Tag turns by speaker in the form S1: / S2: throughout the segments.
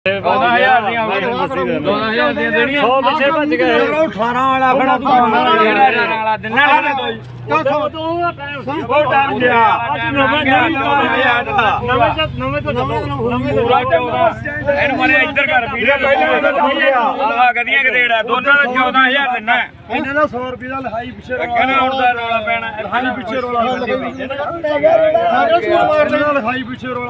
S1: 14000 ਦੀਆਂ ਹੋ ਗਈਆਂ 12000 ਦੀਆਂ ਦੇਣੀਆਂ 100 ਪਿੱਛੇ ਭੱਜ ਗਏ
S2: 18 ਵਾਲਾ ਖੜਾ ਤੂੰ
S1: ਵਾਲਾ ਦਿਨਾ ਉਹ ਟਾਈਮ ਗਿਆ ਨਵੇਂ ਤੋਂ ਪੂਰਾ 14 ਇਹਨੂੰ ਮਰੇ ਇੱਧਰ ਕਰ ਵੀਰੇ ਆਹ ਗਦੀਆਂ ਕਿਹੜਾ ਦੋਨਾਂ ਦਾ 14000 ਦਿਨਾ
S2: ਇਹਨਾਂ ਦਾ 100 ਰੁਪਏ ਦਾ ਲਿਖਾਈ ਪਿੱਛੇ
S1: ਕਹਿੰਦਾ ਹੁਣ ਦਾ ਰੌਲਾ ਪੈਣਾ
S2: ਲਿਖਾਈ ਪਿੱਛੇ ਰੋਲਾ ਲਿਖਾਈ ਪਿੱਛੇ ਰੋਲਾ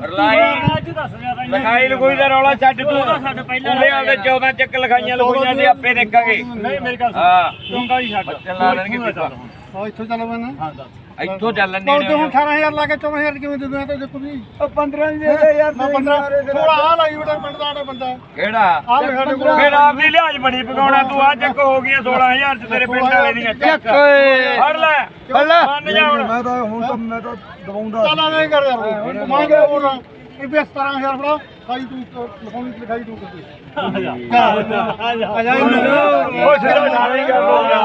S1: ਲਿਖਾਈ ਲਗੋਈ ਦਾ ਰੌਲਾ ਛੱਡ ਤੂੰ ਸਾਡੇ ਪਹਿਲਾਂ ਦੇ 14 ਚੱਕ ਲਿਖਾਈਆਂ ਲਗੋਈਆਂ ਤੇ ਆਪੇ ਦੇਖਾਂਗੇ ਨਹੀਂ ਮੇਰੇ ਕੋਲ ਹਾਂ ਚੰਗਾ ਹੀ ਛੱਡ ਚੱਲਾ ਲੈਣਗੇ
S2: ਇੱਥੋਂ ਚੱਲ ਬਣਾ
S1: ਇੱਥੋਂ ਚੱਲਣ
S2: ਦੇ ਹੁਣ 18000 ਲਾ ਕੇ 14000 ਕਿਵੇਂ ਦੇ ਦਿਆਂ ਤੇ ਦੇਖੋ ਜੀ 15 ਦੇ ਦੇ ਯਾਰ 15 ਥੋੜਾ ਆ ਲਾਈ ਬਟਾ ਪਿੰਡ ਦਾ ਬੰਦਾ
S1: ਕਿਹੜਾ ਫਿਰ ਆਪ ਦੀ ਲਿਹਾਜ਼ ਬਣੀ ਪਕਾਉਣਾ ਤੂੰ ਆ ਚੱਕ ਹੋ ਗਈਆਂ 16000 ਚ ਤੇਰੇ ਪਿੰਡ ਵਾਲੇ ਦੀਆਂ ਚੱਕ ਫੜ ਲੈ ਮੰਨ ਜਾ ਹੁਣ
S2: ਮੈਂ ਤਾਂ ਦਵਾਉਂਦਾ ਚੱਲ ਐਵੇਂ ਕਰ ਯਾਰ ਮੰਗ ਰਿਹਾ ਹੋਰ ਇਹ 17000 ਫੜਾ ਖਾਈ ਤੂੰ ਲਿਖਾਉਣੀ ਲਿਖਾਈ ਤੂੰ ਕਰਦੇ ਆ ਜਾ ਉਹ ਸਿਰਾ ਨਾਲੇ ਗੱਲ ਹੋ ਗਿਆ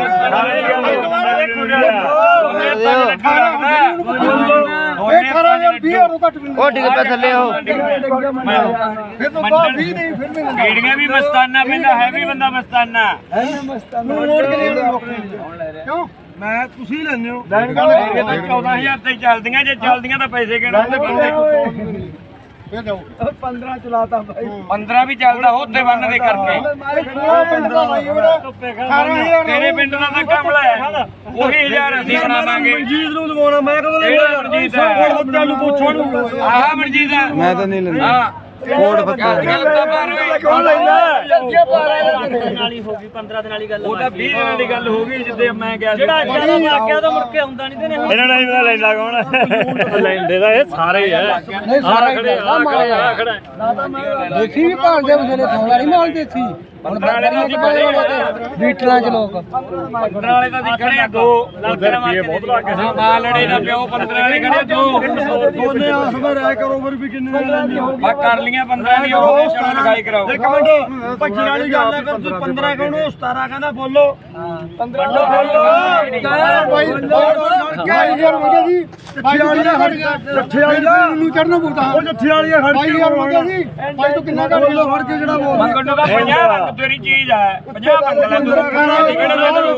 S2: ਇਹ 18000 ਨੂੰ ਘੱਟ
S1: ਉਹ ਡਿੱਗ ਪਿਆ ਥੱਲੇ ਉਹ
S2: ਫਿਰ ਤੋਂ ਬਾਅਦ 20 ਨਹੀਂ ਫਿਰ ਵੀ
S1: ਕੀੜੀਆਂ ਵੀ ਮਸਤਾਨਾ ਪੈਂਦਾ ਹੈ ਵੀ ਬੰਦਾ ਮਸਤਾਨਾ
S2: ਮੋੜ ਕੇ ਕਿਉਂ ਮੈਂ ਤੁਸੀਂ ਲੈਣੇ ਹੋ
S1: ਲੈਣ ਗੱਲ 14000 ਤੇ ਚੱਲਦੀਆਂ ਜੇ ਚੱਲਦੀਆਂ ਤਾਂ ਪੈਸੇ ਕਿਹੜਾ ਬੰਦੇ
S2: ਫੇਰ ਜਾਓ 15 ਚਲਾਤਾ ਭਾਈ
S1: 15 ਵੀ ਚੱਲਦਾ ਉੱਤੇ ਬੰਨ ਦੇ ਕਰਕੇ ਤੇਰੇ ਪਿੰਡ ਦਾ ਤਾਂ ਕੰਮ ਲੈ ਉਹੀ 1000 ਅਸੀਂ ਬਣਾਵਾਂਗੇ
S2: ਮਨਜੀਤ ਨੂੰ ਲਵਾਉਣਾ ਮੈਂ ਕਦੋਂ ਲੈਣਾ
S1: ਮਨਜੀਤ
S2: ਨੂੰ ਪੁੱਛੋ ਨੂੰ
S1: ਆਹ ਮਨਜੀਤ
S2: ਮੈਂ ਤਾਂ ਨਹੀਂ ਲੈਂਦਾ
S1: ਹਾਂ ਕੋਡ ਬੱਚਾ
S2: ਕੌਣ ਲੈਂਦਾ
S3: ਨਾਲੀ ਹੋ ਗਈ 15 ਦਿਨ ਵਾਲੀ ਗੱਲ
S1: ਉਹ ਤਾਂ 20 ਦਿਨਾਂ ਦੀ ਗੱਲ ਹੋ ਗਈ ਜਿੱਦੇ ਮੈਂ ਗਿਆ
S3: ਜਿਹੜਾ ਜਿਆਦਾ ਲੱਗ ਗਿਆ ਤਾਂ ਮੁੜ ਕੇ ਆਉਂਦਾ ਨਹੀਂ ਤੇ ਨੇ
S1: ਇਹਨਾਂ ਨਾਲ ਹੀ ਪਤਾ ਲੈਂਦਾ ਕੌਣ ਲੈਂਦੇ ਤਾਂ ਇਹ ਸਾਰੇ ਹੀ ਆ
S2: ਨਹੀਂ ਸਾਰੇ
S1: ਖੜੇ ਆ ਖੜਾ
S2: ਦੇਖੀ ਵੀ ਭਾਲਦੇ ਬਥੇਰੇ ਥੋੜਾ ਨਹੀਂ ਮਾਲ ਦੇਸੀ ਹੁਣ ਬੱਕਰੀਆਂ ਚ ਬੜੇ ਬੜੇ ਬੀਟਲਾਂ ਚ ਲੋਕ
S1: 15 ਵਾਲੇ ਤਾਂ ਦਿਖਣੇ ਆ 2 ਲੱਖ ਰੁਪਏ ਬਹੁਤ ਲੱਗ ਗਏ ਮਾਲ ਲੜੇ ਨਾ ਪਿਓ 15 ਵਾਲੇ ਖੜੇ 2
S2: ਦੋਨੇ ਆਸ ਵਿੱਚ ਰਾਇ ਕਰੋ ਫਿਰ ਵੀ ਕਿੰਨੇ ਲੈਣੀ ਹੋ
S1: ਆ ਕਰ ਲੀਆਂ 15 ਨਹੀਂ ਉਹ ਸ਼ਰਮ ਲਿਖਾਈ ਕਰਾਓ
S2: ਇੱਕ ਮਿੰਟ 25 ਵਾਲੀ ਗੱਲ ਨਾ ਕਰ ਤੂੰ 15 ਕਹਣੋ 17 ਕਹਿੰਦਾ ਬੋਲੋ 15 ਬੋਲੋ ਭਾਈ ਯਾਰ ਮੰਗਿਆ ਜੀ ਜੱਠੇ ਵਾਲੀ ਦਾ ਜੱਠੇ ਵਾਲੀ ਦਾ ਨੂੰ ਚੜਨਾ ਪਊਗਾ ਉਹ ਜੱਠੇ ਵਾਲੀ ਦਾ ਖੜ ਕੇ ਯਾਰ ਮੰਗਿਆ ਜੀ ਭਾਈ ਤੂੰ ਕਿੰਨਾ ਕਰ ਬੋਲੋ ਫੜ ਕੇ ਜਿਹੜਾ ਬੋਲ
S1: ਮੰਗਣ ਨੂੰ ਤਾਂ 50 ਤੇਰੀ ਚੀਜ਼ ਹੈ 50 ਮੰਗ ਲੈ ਤੂੰ ਕਿਹੜਾ ਲੈ ਤੂੰ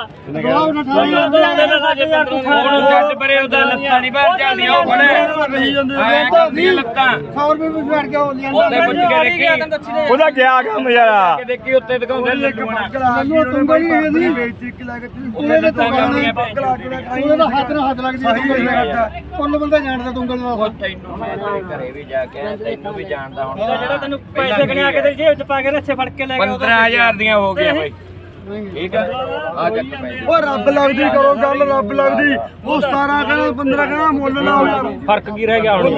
S1: ਹੁਣ ਛੱਡ ਪਰੇ ਉਹਦਾ ਲੱਤਾਂ ਨਹੀਂ ਬਾਹਰ ਜਾਂਦੀਆਂ ਉਹ ਫੜੇ ਐ ਕਰਦੀਆਂ ਲੱਤਾਂ
S2: 100 ਰੁਪਏ ਵੀ ਫੜ ਕੇ ਉਹ
S1: ਉੱਤੇ ਪੁੱਛ ਕੇ ਦੇਖੀ ਉਹਦਾ ਗਿਆ ਕੰਮ ਯਾਰਾ ਦੇਖੀ ਉੱਤੇ ਦਿਖਾਉਂਦੇ ਲੱਡੂਆਂ
S2: ਮੈਨੂੰ ਤੁੰਗਲ ਹੀ ਇਹਦੀ ਬੇਇੱਜ਼ਤੀ ਕਿ ਲੱਗ
S1: ਉਹਦੇ ਲੱਤਾਂ ਕਰਦੀਆਂ
S2: ਉਹਦਾ ਹੱਥ ਨਾਲ ਹੱਥ ਲੱਗਦੀ ਕੁੱਲ ਬੰਦਾ ਜਾਣਦਾ ਤੁੰਗਲ ਦਾ
S1: ਤੈਨੂੰ ਮੈਂ ਤੇਰੇ ਘਰੇ ਵੀ ਜਾ ਕੇ ਤੈਨੂੰ ਵੀ ਜਾਣਦਾ ਹੁਣ
S3: ਜਿਹੜਾ ਤੈਨੂੰ ਪੈਸੇ ਗਣਿਆ ਕੇ ਤੇ ਜੇਬ ਚ ਪਾ ਕੇ ਰੱਛੇ ਫੜ ਕੇ ਲੈ ਗਿਆ
S1: 15000 ਦੀਆਂ ਹੋ ਗਈਆਂ ਬਾਈ ਠੀਕ ਹੈ ਆ ਚੱਕ ਪੈਸੇ
S2: ਉਹ ਰੱਬ ਲੱਗਦੀ ਕਰੋ ਗੱਲ ਰੱਬ ਲੱਗਦੀ ਉਹ 17 ਕਹਿੰਦਾ 15 ਕਹਿੰਦਾ ਮੁੱਲ ਲਾਓ ਯਾਰ
S3: ਫਰਕ ਕੀ ਰਹਿ ਗਿਆ ਹੁਣ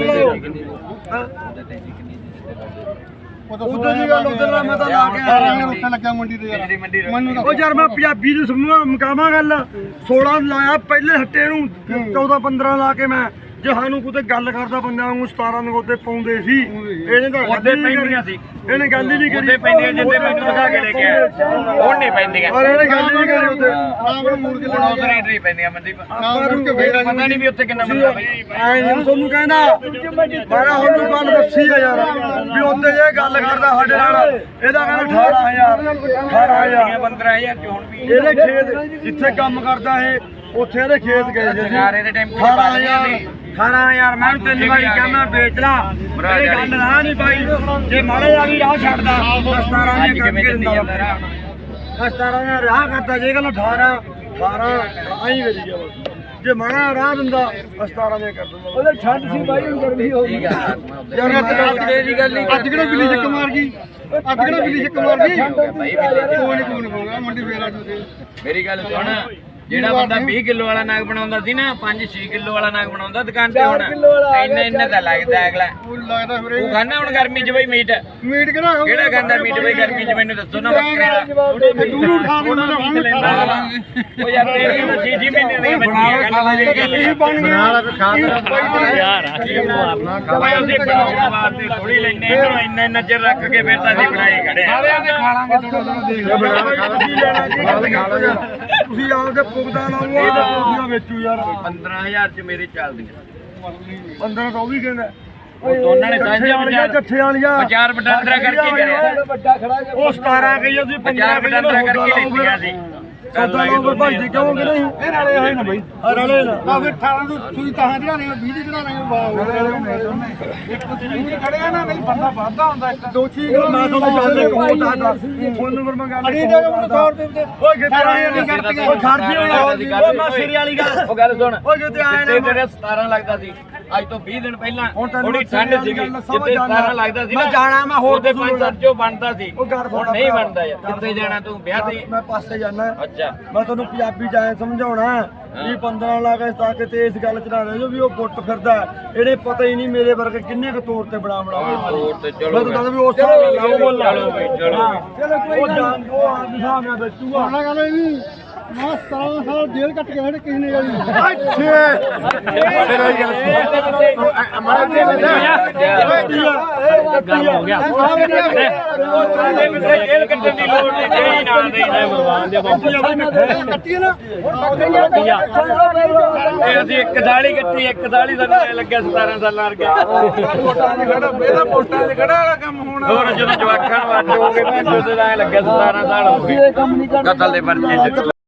S2: ਉਦੋਂ ਦੀ ਗੱਲ ਉਦੋਂ ਦਾ ਮੈਂ ਤਾਂ ਲਾ ਕੇ ਆ ਰਿਹਾ ਉੱਥੇ ਲੱਗਿਆ ਮੰਡੀ ਤੇ ਯਾਰ ਮੈਨੂੰ ਉਹ ਯਾਰ ਮੈਂ ਪੰਜਾਬੀ ਨੂੰ ਸਮਝਾਵਾਂ ਮੁਕਾਵਾਂ ਗੱਲ 16 ਲਾਇਆ ਪਹਿਲੇ ਹੱਟੇ ਨੂੰ 14 15 ਲਾ ਕੇ ਮੈਂ ਜੇ ਸਾਨੂੰ ਕੋਈ ਗੱਲ ਕਰਦਾ ਬੰਦਾ ਨੂੰ 17 ਨੂੰ ਉਹਦੇ ਪਾਉਂਦੇ ਸੀ ਇਹਨੇ ਤਾਂ
S1: ਉਹਦੇ ਪੈਂਦੀਆਂ ਸੀ
S2: ਇਹਨੇ ਗੱਲ ਹੀ ਨਹੀਂ ਕਰੀ
S1: ਉਹਦੇ ਪੈਂਦੀਆਂ ਜਿੱਦੇ ਮੈਨੂੰ ਦਿਖਾ ਕੇ ਲੈ ਕੇ ਆਇਆ ਹੁਣ ਨਹੀਂ ਪੈਂਦੀਆਂ
S2: ਔਰ ਇਹਨੇ ਗੱਲ ਹੀ ਨਹੀਂ ਕਰੀ ਉੱਤੇ ਆਪ ਨੂੰ ਮੁੜ ਕੇ ਲੈਣਾ
S1: ਰੇਟ ਨਹੀਂ ਪੈਂਦੀਆਂ ਮੰਦੀ
S2: ਆਪ ਨੂੰ ਫੇਰ
S1: ਪਤਾ ਨਹੀਂ ਵੀ ਉੱਥੇ ਕਿੰਨਾ ਮਿਲਦਾ ਬਾਈ
S2: ਐ ਨਹੀਂ ਤੁਹਾਨੂੰ ਕਹਿੰਦਾ ਮਾਰਾ ਹੁਣ ਗੱਲ ਦੱਸੀ ਆ ਯਾਰ ਵੀ ਉੱਤੇ ਜੇ ਗੱਲ ਕਰਦਾ ਸਾਡੇ ਨਾਲ ਇਹਦਾ ਕਹਿੰਦਾ 18000
S1: 15000 ਚ ਹੁਣ ਵੀ
S2: ਇਹਦੇ ਖੇਤ ਜਿੱਥੇ ਕੰਮ ਕਰਦਾ ਇਹ ਉੱਥੇ ਇਹਦੇ ਖੇਤ ਗਏ ਜੀ
S1: ਸਰਕਾਰੇ ਦੇ ਟੈਂਪੂ ਚ ਪਾ ਦਿੰਦੇ ਸੀ
S2: 18000 ਮੈਂ ਤਿੰਨ ਵਾਰੀ ਕਹਿੰਦਾ ਵੇਚ ਲਾ ਇਹ ਗੱਲ ਨਾ ਨਹੀਂ ਬਾਈ ਜੇ ਮਾੜੇ ਆ ਵੀ ਰਾਹ ਛੱਡਦਾ 17
S1: ਅੱਜ ਕਿਵੇਂ ਚੱਲੀ ਜਾਂਦਾ ਰਾਹ
S2: 17 ਨੇ ਰਾਹ ਕਰਦਾ ਜੇ ਗੱਲ 18 ਆਈ ਵੇਚ ਗਿਆ ਬਸ ਜੇ ਮਾੜਾ ਰਾਹ ਦਿੰਦਾ 17 ਨੇ ਕਰ ਦਿੰਦਾ ਉਹਦੇ ਛੱਡ ਸੀ ਬਾਈ ਹੁਣ ਗਰਮੀ ਹੋ ਗਈ ਯਾਰ
S1: ਦੀ ਗੱਲ ਨਹੀਂ
S2: ਅੱਜ ਕਿਹੜਾ ਬਿੱਲੀ ਚੱਕ ਮਾਰ ਗਈ ਅੱਜ ਕਿਹੜਾ ਬਿੱਲੀ ਚੱਕ ਮਾਰ ਗਈ ਕੋਈ ਨਹੀਂ ਹੋਗਾ ਮੰਡੀ ਫੇਰ ਆ ਜੂਦੇ
S1: ਮੇਰੀ ਗੱਲ ਸੁਣ ਜਿਹੜਾ ਬੰਦਾ 20 ਕਿਲੋ ਵਾਲਾ ਨਾਗ ਬਣਾਉਂਦਾ ਸੀ ਨਾ 5-6 ਕਿਲੋ ਵਾਲਾ ਨਾਗ ਬਣਾਉਂਦਾ ਦੁਕਾਨ ਤੇ ਹੁਣ ਇੰਨਾ ਤਾਂ ਲੱਗਦਾ ਅਗਲਾ
S2: ਲੱਗਦਾ ਫਿਰ
S1: ਤੂੰ ਖਾਣਾ ਹੁਣ ਗਰਮੀ 'ਚ ਬਈ ਮੀਟ
S2: ਮੀਟ
S1: ਕਿਹੜਾ ਖਾਂਦਾ ਮੀਟ ਬਈ ਗਰਮੀ 'ਚ ਮੈਨੂੰ ਦੱਸੋ ਨਾ ਬੱਕਰੇ ਦਾ
S2: ਦੂਰੂ ਖਾ ਕੇ ਮੈਂ
S1: ਉਹ ਯਾਰ ਤੇਰੀ ਤਾਂ 6 ਮਹੀਨੇ ਦੀ ਬੱਚੀ
S2: ਬਣਾ ਲਾ ਕੇ ਖਾ
S3: ਯਾਰ
S1: ਭਾਈ ਅਸੀਂ ਬਣਾਉਣ ਵਾਸਤੇ ਥੋੜੀ ਲੈਨੇ ਇੰਨਾ ਚਿਰ ਰੱਖ ਕੇ ਫਿਰ ਤਾਂ ਅਸੀਂ ਬਣਾਈ ਖੜੇ
S2: ਸਾਰਿਆਂ ਦੇ ਖਾ ਲਾਂਗੇ ਤੁਸੀਂ ਆਪਦੇ ਪੁਗਦਾ ਲਾਓ ਇਹ ਤਾਂ ਵੇਚੂ ਯਾਰ
S1: 15000 ਚ ਮੇਰੇ ਚੱਲਦੀਆਂ
S2: 15 ਤਾਂ ਉਹ ਵੀ ਕਹਿੰਦਾ
S1: ਦੋਨਾਂ ਨੇ ਸਾਂਝੇ
S2: ਵਾਲੀਆਂ ਜੱਠੇ ਵਾਲੀਆਂ
S1: ਵਿਚਾਰ ਵਟਾਂਦਰਾ ਕਰਕੇ ਕਰਿਆ
S2: ਵੱਡਾ ਖੜਾ
S1: ਉਹ 17 ਕਹੀ ਅਸੀਂ 15 ਵਟਾਂਦਰਾ ਕਰਕੇ ਲਿੱਤੀਆਂ ਸੀ
S2: ਸੌਦਾ ਲਾਓ ਭਾਈ ਜੀ ਕਿਉਂ ਕਿ ਨਹੀਂ ਇਹ ਨਾਲੇ ਹੋਏ ਨਾ ਬਈ ਨਾਲੇ ਨਾ ਆ ਫਿਰ 18 ਨੂੰ ਸੂਈ ਤਾਂ ਚੜਾ ਰਹੇ 20 ਦੀ ਚੜਾ ਰਹੇ ਵਾਹ ਇੱਕ ਤੁਸੀਂ ਖੜੇ ਆ ਨਾ ਨਹੀਂ ਬੰਦਾ ਵਾਧਾ ਹੁੰਦਾ ਇੱਕ ਦੋਚੀ ਮੈਂ ਤੁਹਾਨੂੰ ਜਾਣਦੇ ਕੋਟਾ ਫੋਨ ਨੰਬਰ ਮੰਗਾ ਅੜੀ ਦੇ ਮੈਨੂੰ 100 ਰੁਪਏ ਦੇ ਓਏ ਕਿੱਥੇ ਆਏ ਨਹੀਂ ਕਰਤੀ ਓਏ ਖਰਚੀ ਹੋਣਾ ਓਏ ਮੈਂ ਸਿਰੇ ਵਾਲੀ ਗੱਲ
S1: ਉਹ ਗੱਲ ਸੁਣ
S2: ਓਏ ਕਿੱਥੇ ਆਏ
S1: ਜਿੱਤੇ ਤੇਰੇ 17 ਲੱਗਦਾ ਸੀ ਅੱਜ ਤੋਂ 20 ਦਿਨ ਪਹਿਲਾਂ ਥੋੜੀ ਠੰਡ ਸੀਗੀ ਜਿੱਤੇ 17 ਲੱਗਦਾ ਸੀ
S2: ਮੈਂ ਜਾਣਾ ਮੈਂ ਹੋਰ
S1: ਉਹਦੇ 5-7 ਚੋਂ ਬਣਦਾ ਸੀ
S2: ਉਹ ਗੱਲ
S1: ਹੁਣ ਨਹੀਂ ਬਣਦਾ ਯਾਰ ਕਿੱਥੇ ਜਾਣਾ ਤੂੰ ਵਿਆਹ ਤੇ
S2: ਮੈਂ ਪਾਸੇ ਜਾਣਾ
S1: ਅੱਛਾ
S2: ਮੈਂ ਤੁਹਾਨੂੰ ਪੰਜਾਬੀ ਜਾਏ ਸਮਝਾਉਣਾ ਵੀ 15 ਲੱਖ ਤਾਂ ਕਿਤੇ ਇਸ ਗੱਲ ਚ ਨਾ ਰਹਿ ਜਾਓ ਵੀ ਉਹ ਗੁੱਟ ਫਿਰਦਾ ਇਹਨੇ ਪਤਾ ਹੀ ਨਹੀਂ ਮੇਰੇ ਵਰਗੇ ਕਿੰਨੇ ਕੁ ਤੌਰ ਤੇ ਬਣਾ
S1: ਤੋਰ ਤੇ ਚਲੋ
S2: ਮੈਂ ਤਾਂ ਕਹਿੰਦਾ ਵੀ ਉਸ ਹਿਸਾਬ ਨਾਲ ਲਾਓ ਬੋਲ
S1: ਚਲੋ ਬਈ ਚਲੋ
S2: ਉਹ ਜਾਣ ਉਹ ਆ ਹਿਸਾਬ ਨਾਲ ਵੇਚੂਗਾ ਉਹਨਾਂ ਗੱਲ ਇਹ ਨਹੀਂ ਮੈਂ 17 ਸਾਲ ਜੇਲ੍ਹ ਕੱਟ ਕੇ ਹੜੇ ਕਿਸੇ ਨੇ ਗਾਲੀ ਫਿਰ ਉਹ ਗੱਲ ਮਾਰਾ ਦੇ
S3: ਗੱਲ ਹੋ ਗਿਆ
S1: ਜੇਲ੍ਹ ਕੱਟਣ ਦੀ ਲੋੜ ਨਹੀਂ ਦੇਈ ਨਾ ਦੇਈ
S3: ਭਗਵਾਨ ਦੇ ਬਾਬੂ
S2: ਕੱਟੀ ਨਾ
S1: ਇਹ ਅਸੀਂ ਇੱਕ ਦਾੜੀ ਕੱਟੀ ਇੱਕ ਦਾੜੀ ਸਾਨੂੰ ਐ ਲੱਗਿਆ 17 ਸਾਲਾਂ ਵਰਗਾ
S2: ਇਹਦਾ ਪੋਸਟਾਂ 'ਚ ਖੜਾ ਵਾਲਾ ਕੰਮ ਹੋਣਾ
S1: ਹੋਰ ਜਦੋਂ ਜਵਾਕਾਂ ਨੂੰ ਅੱਡ ਹੋ ਗਏ ਮੈਂ ਜਦੋਂ ਐ ਲੱਗਿਆ 17 ਸਾਲ ਹੋ ਗਏ ਕਤਲ ਦੇ ਪਰਚੇ 'ਚ